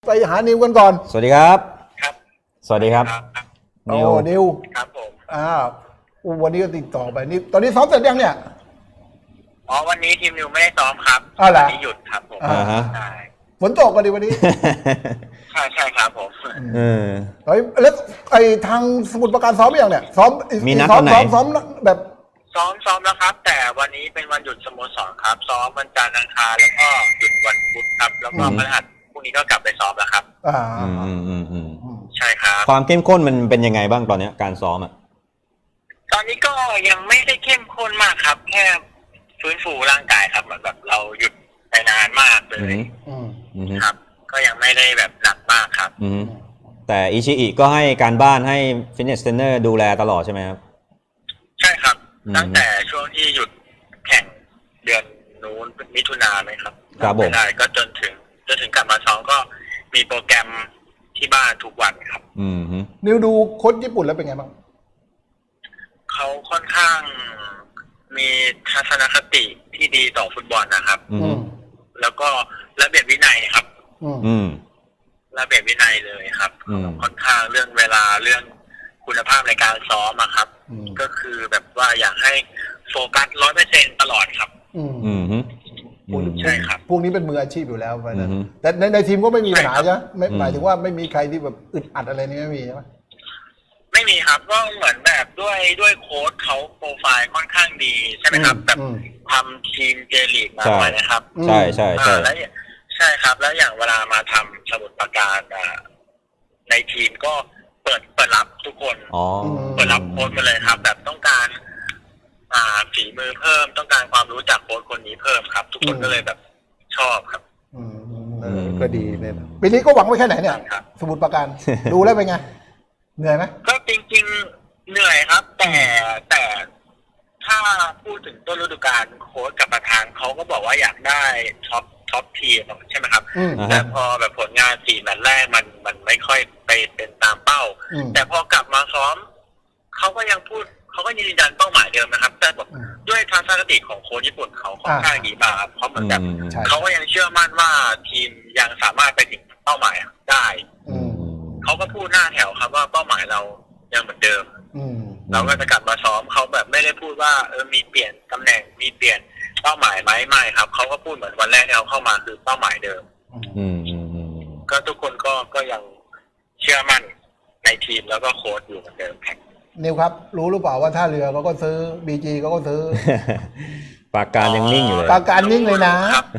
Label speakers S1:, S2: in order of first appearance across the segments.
S1: ไปหานิวกันก่อน
S2: สวัสดีครับ
S3: ครับ
S2: สวัสดีครับ
S1: โอ้นิว
S3: ครับผม
S1: วันนี้ก็ติดต่อไปนี่ตอนนี้ซ้อมเสร็จยังเนี่ย
S3: วันนี้ทีมนิวไม่ได้ซ้อมครับ
S1: วัน
S3: นี้หยุดครับผม
S1: ใช่ฝนตกกันดิวันนี้
S3: ใช่ครับผม
S1: แล้วไอ้ทางสมุทรปราการซ้อมยังเนี่ยซ้อม
S2: มีนัดวันไหน
S1: ซ้อมแบบ
S3: ซ้อมแล้วครับแต่วันนี้เป็นวันหยุดสโมสรครับซ้อมวันจันทร์อังคารแล้วก็หยุดวันพุธครับแล้วก็พฤหัสพรุ่งนี้ก็กลับไปซ้อมแล้วครับใช่ครับ
S2: ความเข้มข้นมันเป็นยังไงบ้างตอนนี้การซ้อม
S3: ตอนนี้ก็ยังไม่ได้เข้มข้นมากครับแค่ฟื้นฟูร่างกายครับเหมือนแบบเราหยุดไปนานมากเลยครับก็ยังไม่ได้แบบหนักมากครับ
S2: แต่อิชิอิก็ให้การบ้านให้ฟิตเนสเทรนเนอร์ดูแลตลอดใช่ไหมครับ
S3: ใช่ครับตั้งแต่ช่วงที่หยุดแข่งเดือนนู้นมิถุนาไหมครับ
S2: ครับผม
S3: ก็จนถึงกลับมาซ้อมก็มีโปรแกรมที่บ้านทุกวันครับ
S1: นิวดูโค้ชญี่ปุ่นแล้วเป็นไงบ้าง
S3: เขาค่อนข้างมีทัศนคติที่ดีต่อฟุตบอลนะครับแล้วก็ระเบียบวินัยครับระเบียบวินัยเลยครับค่อนข้างเรื่องเวลาเรื่องคุณภาพในการซ้อมครับก็คือแบบว่าอยากให้โฟกัส 100% ตลอดครับใช่ครับ
S1: พวกนี้เป็นมืออาชีพอยู่แล้วนะแต่ในทีมก็ไม่มีปัญหาใช่ไหมหมายถึงว่าไม่มีใครที่แบบอึดอัดอะไรนี่ไม่มีใช่ไหม
S3: ไม่มีครับก็เหมือนแบบด้วยโค้ชเขาโปรไฟล์ค่อนข้างดีใช่ไหมครับแบบทำทีมเจลีกมาไว้นะครับ
S2: ใช่ใช่
S3: แล้วใช่ครับแล้วอย่างเวลามาทำสมุทรปราการในทีมก็เปิดรับทุกคนเปิดรับโค้ชมาเลยครับแบบต้องการฝีมือเพิ่มต้องการความรู้จากโค้ชคนนี้เพิ่มครับทุกคนก็เลยแบบชอบครับ
S1: ก็ดีเลยปีนี้ก็หวังไว้แค่ไหนเนี่ยสมุทรปราการดูแล้วเป็นไงเหนื่อยไหม
S3: ก็จริงๆเหนื่อยครับแต่ถ้าพูดถึงต้นฤดูกาลโค้ชกับประธานเขาก็บอกว่าอยากได้ท็อปทีมใช่ไหมครับแต่พอแบบผลงาน4 แมตช์แรกมันไม่ค่อยไปเป็นตามเป้าแต่พอกลับมาซ้อมเขาก็ยังพูดเขาก็ยืนยันเป้าหมายเดิมนะครับแต่แบบด้วยทัศนคติของโค้ชญี่ปุ่นเขาค่อนข้างดีมากครับเขาเหมือนแบบเขาก็ยังเชื่อมั่นว่าทีมยังสามารถไปถึงเป้าหมายได้เขาก็พูดหน้าแถวครับว่าเป้าหมายเรายังเหมือนเดิมเราก็จะกลับมาซ้อมเขาแบบไม่ได้พูดว่ามีเปลี่ยนตำแหน่งมีเปลี่ยนเป้าหมายไหมไม่ครับเขาก็พูดเหมือนวันแรกที่เขาเข้ามาคือเป้าหมายเดิมก็ทุกคนก็ยังเชื่อมั่นในทีมแล้วก็โค้ชอยู่เหมือนเดิมครับ
S1: นิวครับรู้หรือเปล่าว่าท่าเรือเขาก็ซื้อBGเขาก็ซื้อ
S2: ปราการยังนิ่งอยู่เลย
S1: ปราการนิ่งเลยนะ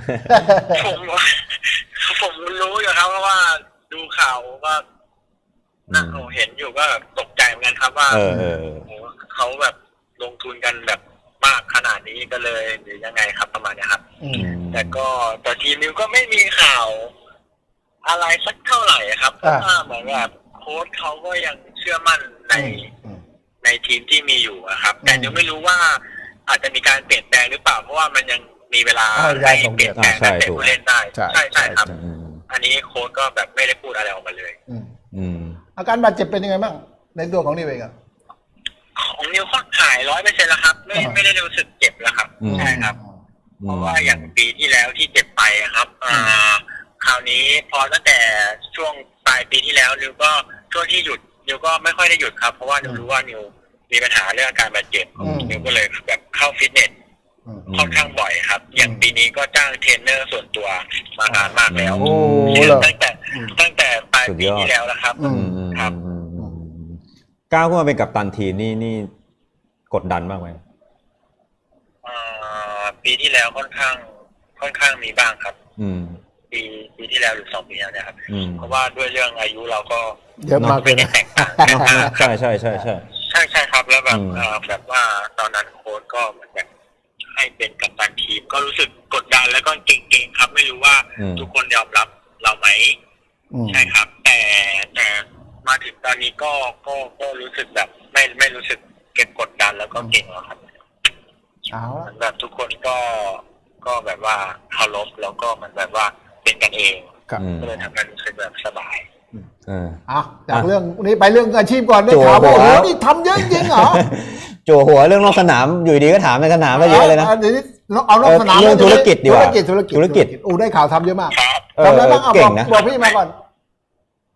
S3: ผมรู้อยู่ครับเพราะว่าดูข่าวก็นั่งเห็นอยู่ก็ตกใจเหมือนกันครับว่าเขาแบบลงทุนกันแบบมากขนาดนี้ก็เลยหรือยังไงครับประมาณนี้ครับแต่ทีมนิวก็ไม่มีข่าวอะไรสักเท่าไหร่ครับเพราะว่าเหมือนแบบโค้ชเขาก็ยังเชื่อมั่นในทีมที่มีอยู่ครับแต่ยังไม่รู้ว่าอาจจะมีการเปลี่ยนแปลงหรือเปล่าเพราะว่ามันยังมีเวลาให้เปลี่ยนแปลงนักเตะผู้เล่นได้ใช่ครับอันนี้โค้ชก็แบบไม่ได้พูดอะไรออกมาเลย
S1: อาการบาดเจ็บเป็นยังไงบ้างในตัวของนิวเอง
S3: ของนิวก็หาย 100% แล้วครับไม่ได้รู้สึกเจ็บแล้วครับใช่ครับเพราะว่าอย่างปีที่แล้วที่เจ็บไปครับคราวนี้พอตั้งแต่ช่วงปลายปีที่แล้วนิวก็ช่วงที่หยุดนิวก็ไม่ค่อยได้หยุดครับเพราะว่านิวรู้ว่านิวมีปัญหาเรื่องการบาดเจ็บนิวก็เลยแบบเข้าฟิตเนสค่อนข้างบ่อยครับอย่างปีนี้ก็จ้างเทรนเนอร์ส่วนตัวมานานมากแล้วตั้งแต่ปลายปีที่แล้วนะครับครับ
S2: ก้าวขึ้นมาเป็นกัปตันทีมนี่กดดันมากไหม
S3: ปีที่แล้วค่อนข้างมีบ้างครับปีที่แล้วหรือ2 ปีแล้วนะครับเพราะว่าด้วยเรื่องอายุเราก็
S1: เยอะมากเลยนะ
S2: ใช่
S3: ครับแล้วแบบว่าตอนนั้นโค้ชก็เหมือนแบบให้เป็นกัปตันทีมก็รู้สึกกดดันแล้วก็เก่งๆครับไม่รู้ว่าทุกคนยอมรับเราไหมใช่ครับแต่มาถึงตอนนี้ก็รู้สึกแบบไม่รู้สึกเก็บกดดันแล้วก็เก่งแล้วครับแบบทุกคนก็แบบว่าเคารพแล้วก็มันแบบว่าเป็นกันเองก็เลยทำให้รู้สึกแบบสบาย
S1: จากเรื่องนี้ไปเรื่องอาชีพก่อนได้ข่าวว่าโอ้โหนี่ทำเยอะจริงเหรอ
S2: โจหัวเรื่องนอกสนามอยู่ดีก็ถามในสนามไปเยอะเลยนะ
S1: เอานอกสนาม
S2: เรื่องธุรกิจดีกว่า
S1: ธุรกิจได้ข่าวทำเยอะมากทำอะไรบ้างบอกพี่มาก่อน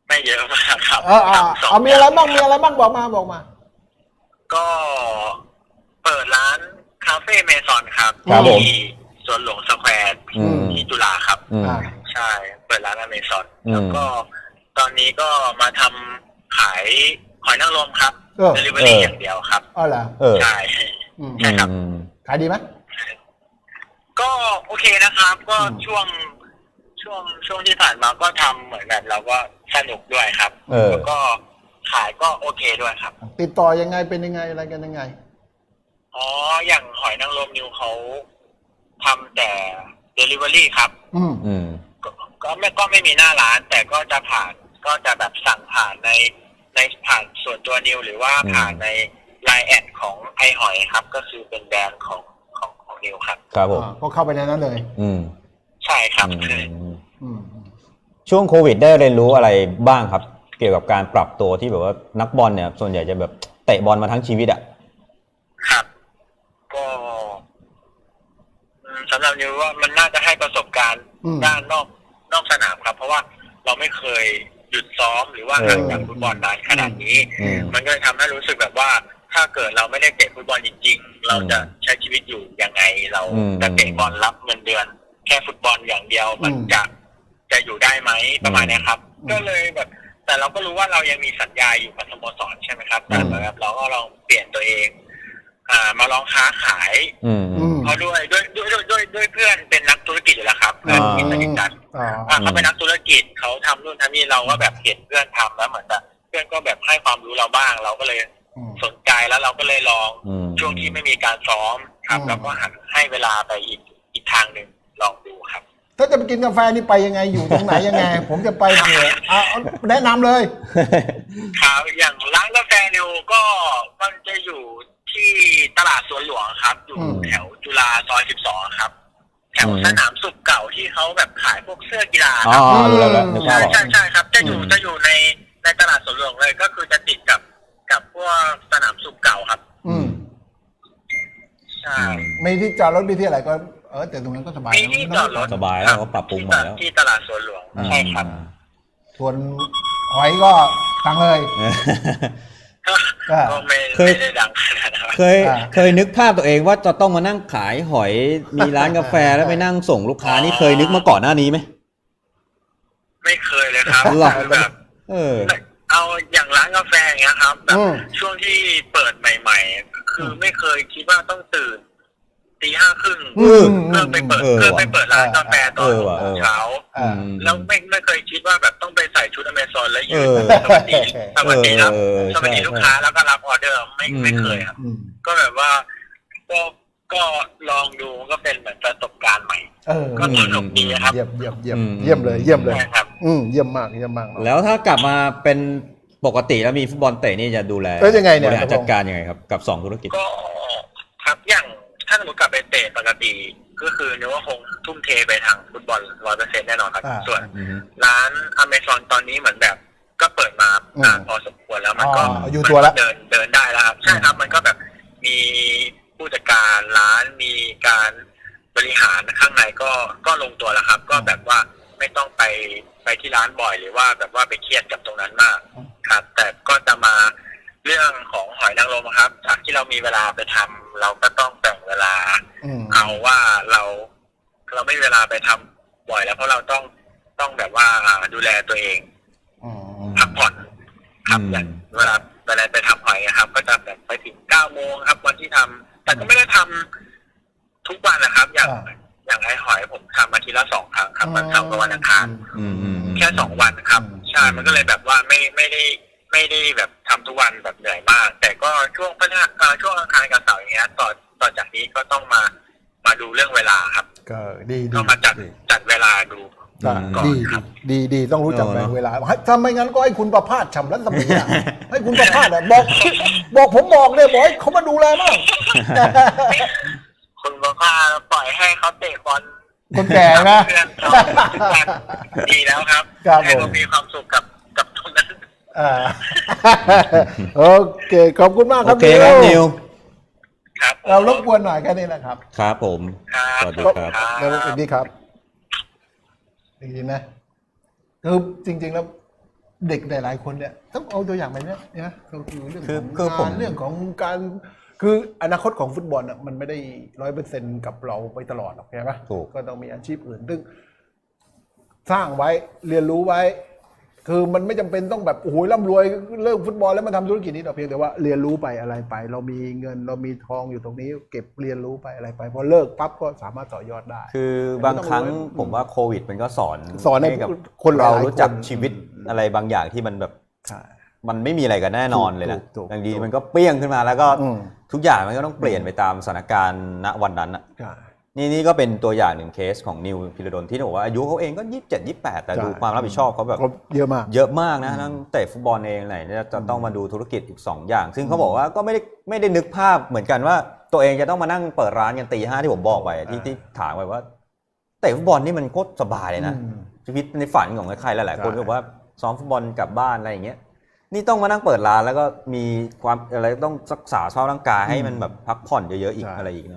S3: ไม่เยอะมากครับ
S1: เอามีอะไรบ้างบอกมา
S3: ก็เปิดร้านคาเฟ่เมซอนครับ
S2: ครับผม
S3: ที่สวนหลวงสแควร์ที่จุฬาครับ ใช่เปิดร้านอเมซอนแล้วก็ตอนนี้ก็มาทำขายหอยนางรมครับเดลิเวอรี่อย่างเดียวครับ
S1: เหรอ
S3: ใช่ใช่ครับ
S1: ขายดีไหม
S3: ก็โอเคนะครับ ก็ช่วงที่ผ่านมาก็ทำเหมือนแบบเราก็สนุกด้วยครับแล้วก็ขายก็โอเคด้วยครับ
S1: ติดต่อยังไงเป็นยังไงอะไรกันยังไง
S3: อย่างหอยนางรมนิวเขาทำแต่ Delivery ครับก็ไม่มีหน้าร้านแต่ก็จะแบบสั่งผ่านในผ่านส่วนตัวนิวหรือว่าผ่านในไลน์แอดของไอหอยครับก็คือเป็นแบรนด์ของนิวครับ
S2: ครับผม
S1: ก็เข้าไปในนั้นเลย
S3: ใช่ครับ
S2: ช่วงโควิดได้เรียนรู้อะไรบ้างครับเกี่ยวกับการปรับตัวที่แบบว่านักบอลเนี่ยส่วนใหญ่จะแบบเตะบอลมาทั้งชีวิตอ่ะ
S3: ครับก็สำหรับนิวว่ามันน่าจะให้ประสบการณ์ด้านนอกสนามครับเพราะว่าเราไม่เคยหยุดซ้อมหรือว่าห่างจากฟุตบอลนานขนาดนี้มันก็เลยทำให้รู้สึกแบบว่าถ้าเกิดเราไม่ได้เตะฟุตบอลจริงๆเราจะใช้ชีวิตอยู่ยังไงเราจะเตะบอลรับเงินเดือนแค่ฟุตบอลอย่างเดียวมันจะอยู่ได้ไหมประมาณนี้ครับก็เลยแบบแต่เราก็รู้ว่าเรายังมีสัญญาอยู่กับสโมสรใช่ไหมครับแต่แบบเราก็ลองเปลี่ยนตัวเองมาลองค้าขายเพราะด้วยเพื่อนเป็นนักธุรกิจอยู่แล้วครับเพื่อนที่สนิทกันเขาเป็นนักธุรกิจเขาทำนู่นทำนี่เราก็แบบเห็นเพื่อนทำแล้วเหมือนแบบเพื่อนก็แบบให้ความรู้เราบ้างเราก็เลยสนใจแล้วเราก็เลยลองช่วงที่ไม่มีการซ้อมครับแล้วก็หันให้เวลาไปอีกทางหนึ่งลองดูครับ
S1: ถ้าจะไปกินกาแฟนี่ไปยังไงอยู่ตรงไหนยังไงผมจะไปเผื่อแนะนำเลย
S3: ครับอย่างร้านกาแฟนิวก็มันจะอยู่ที่ตลาดสวนหลวงครับอยู่แถวจุฬาซอย12ครับแถวสนามสุขเก่าที่เขาแบบขายพวกเสื้อกีฬาครับใช่ครับจะอยู่ในตลาดสวนหลวงเลยก็คือจะติดกับพวกสนามสุขเก่าครับใช่
S1: ไม่ที่จอดรถมีที่อะไรก็แต่ตรงนั้นก็สบาย
S3: มีที่จอดรถ
S2: สบายแล้วเขาปรับปรุงใหม่แล้ว
S3: ที่ตลาดสวนหลวงใช่ครับ
S1: ส่วนหอยก็สั่งเลย
S3: ก็ไม่ได้ดังขนาดนั้น
S2: เคยนึกภาพตัวเองว่าจะต้องมานั่งขายหอยมีร้านกาแฟแล้วไปนั่งส่งลูกค้านี่เคยนึกมาก่อนหน้านี้ไหม
S3: ไม่เคยเลยครับแบบเอาอย่างร้านกาแฟอย่างเงี้ยครับแบบช่วงที่เปิดใหม่ๆคือไม่เคยคิดว่าต้องตื่นตี 5:30เพื่อไปเปิดร้านกาแฟตอนเช้าแล้วไม่เคยคิดว่าแบบต้องไปใส่ชุดอเมซอนแล้วยืนสวัสดีครับสวัสดีลูกค้าแล้วก็รับออเดอร์ไม่เคยครับก็แบบว่าก็ลองดูก็เป็นเหมือนประสบการณ์ใหม่ก็สนุกดีครับ
S1: เยี่ยมเลย
S3: ครับ
S1: เยี่ยมมาก
S2: แล้วถ้ากลับมาเป็นปกติแล้วมีฟุตบอลเตะนี่จะดูแล
S1: ยังไงเนี่ย
S2: บริหารจัดการยังไงครับกับ2ธุรกิจ
S3: ก็ครับอย่างถ้าสมมติกลับไปเตะปกติก็คือนึกว่าคงทุ่มเทไปทางฟุตบอล 100% แน่นอนครับส่วนร้านอเมซอนตอนนี้เหมือนแบบก็เปิดมานานพอสมควรแล้วมันก็เดินได้แล้วครับใช่ครับมันก็แบบมีผู้จัดการร้านมีการบริหารข้างในก็ลงตัวแล้วครับก็แบบว่าไม่ต้องไปที่ร้านบ่อยหรือว่าแบบว่าไปเครียดกับตรงนั้นมากครับแต่ก็จะมาเรื่องของหอยนางรมครับจากที่เรามีเวลาไปทำเราก็ต้องแบ่งเวลาเอาว่าเราไม่มีเวลาไปทำบ่อยแล้วเพราะเราต้องแบบว่าดูแลตัวเองพักผ่อนครับอย่างเวลาไปทำหอยครับก็จะแบบไปถึง 9:00 นครับวันที่ทำแต่ก็ไม่ได้ทำทุกวันนะครับอย่างไอหอยผมทำอาทิตย์ละ 2 ครั้งครับวันเสาร์กับวันอังคารแค่2 วันครับใช่มันก็เลยแบบว่าไม่ได้แบบทำทุกวันแบบเหนื่อยมากแต่ก็ช่วงช่วงอังคารกับเสาร์อย่างเงี้ยต่อจากนี้ก็ต้องมาดูเรื่องเวลาครับ
S1: ก็ดี
S3: ก็มาจัดเวลาดู
S1: ดีต้องรู้จักแบ่งเวลาถ้าไม่งั้นก็ให้คุณประภาสฉ่ำรัตมีให้คุณประภาสบอกผมบอกเลยบอกให้เขามาดูแลบ้าง
S3: คุณประภาสปล่อยให้เขาเตะบอล
S1: คนแก่นะ
S3: ดีแล้วครับให้เขามีความสุขกับตรงนั้น
S1: โอเคขอบคุณมากครับ
S2: นิว
S3: ครับ
S1: เรารบกวนหน่อยแค่นี้นะครับ
S2: ครับผม
S3: สวัสดีครับ
S1: แล้วสวัสดีครับดีนะคือจริงๆแล้วเด็กหลายๆคนเนี่ยต้องเอาตัวอย่างแบบเนี้ยนะก็คือเรื่อง
S2: คื
S1: ข
S2: อ
S1: อง
S2: ผม
S1: งานเรื่องของการคืออนาคตของฟุตบอลอ่ะมันไม่ได้100%กับเราไปตลอดหรอกใช่ไหม
S2: ถูก
S1: ก็ต้องมีอาชีพอื่นซึ่งสร้างไว้เรียนรู้ไว้ คือมันไม่จำเป็นต้องแบบโอ้โหร่ำรวยเลิกฟุตบอลแล้วมาทำธุรกิจนี้หรอกเพียงแต่ว่าเรียนรู้ไปอะไรไป เรามีเงินเรามีทองอยู่ตรงนี้ เก็บเรียนรู้ไปอะไรไปพอเลิกปั๊บก็สามารถต่อยอดได้
S2: คือบางครั้งผมว่าโควิดมันก็สอน
S1: ให้
S2: กับ
S1: คนหลาย
S2: เรา
S1: ๆ
S2: รู้จัก
S1: คน
S2: ชีวิตอะไรบางอย่างที่มันแบบ
S1: ใช่
S2: มันไม่มีอะไรกันแน่นอนเลยนะ
S1: ถูก
S2: บางทีมันก็เปรี้ยงขึ้นมาแล้วก็
S1: อืม
S2: ทุกอย่างมันก็ต้องเปลี่ยนไปตามสถานการณ์ณวันนั้นอะ
S1: ใช่
S2: นี่ก็เป็นตัวอย่างหนึ่งเคสของนิวพิรดลที่บอกว่าอายุเขาเองก็27 28แต่ดูความรับผิดชอบเขาแบบ
S1: ก็เยอะมาก
S2: เยอะมากนะทั้งเตะฟุตบอลเองไหนจะต้องมาดูธุรกิจอีก2อย่าง ซึ่งเขาบอกว่าก็ไม่ได้นึกภาพเหมือนกันว่าตัวเองจะต้องมานั่งเปิดร้านกันตี 5ที่ผมบอกไปที่ถามไปว่าเตะฟุตบอลนี่มันโคตรสบายเลยนะ ชีวิตในฝันของใครๆหลายๆคนก็บอกว่าซ้อมฟุตบอลกลับบ้านอะไรอย่างเงี้ยนี่ต้องมานั่งเปิดร้านแล้วก็มีความอะไรต้องรักษาสภาพร่างกายให้มันแบบพักผ่อนเยอะๆอีกอะไรอีกนะ